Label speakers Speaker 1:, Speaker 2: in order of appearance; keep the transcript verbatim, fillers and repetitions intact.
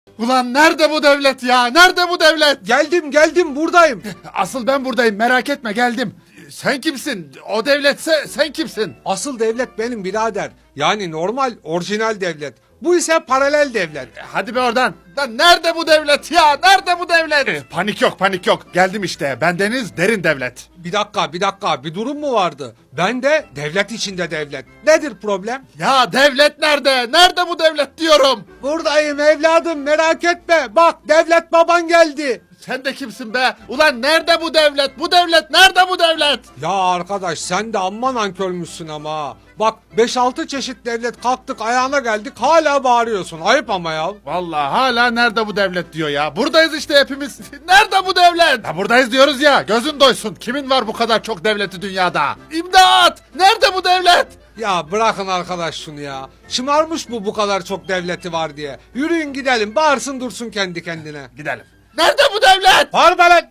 Speaker 1: Ulan nerede bu devlet ya? Nerede bu devlet?
Speaker 2: Geldim geldim buradayım.
Speaker 1: Asıl ben buradayım, merak etme, geldim. Sen kimsin? O devletse sen kimsin?
Speaker 2: Asıl devlet benim birader. Yani normal orijinal devlet. Bu ise paralel devlet.
Speaker 1: Hadi be oradan. Lan nerede bu devlet ya? Nerede bu devlet? Panik yok, panik yok. Geldim işte. Bendeniz derin devlet.
Speaker 2: Bir dakika bir dakika bir durum mu vardı? Ben de devlet içinde devlet. Nedir problem?
Speaker 1: Ya devlet nerede? Nerede bu devlet diyorum.
Speaker 2: Buradayım evladım merak etme. Bak devlet baban geldi.
Speaker 1: Sen de kimsin be? Ulan nerede bu devlet? Bu devlet nerede bu devlet?
Speaker 2: Ya arkadaş sen de amma nankörmüşsün ama ha. Bak beş altı çeşit devlet kalktık ayağına geldik hala bağırıyorsun. Ayıp ama ya.
Speaker 1: Vallahi hala nerede bu devlet diyor ya. Buradayız işte hepimiz. Nerede bu devlet? Ya buradayız diyoruz ya. Gözün doysun. Kimin var bu kadar çok devleti dünyada? İmdat! Nerede bu devlet?
Speaker 2: Ya bırakın arkadaş şunu ya. Şımarmış bu bu kadar çok devleti var diye. Yürüyün gidelim bağırsın dursun kendi kendine.
Speaker 1: Gidelim. Nerede bu devlet?
Speaker 2: Bağırma lan.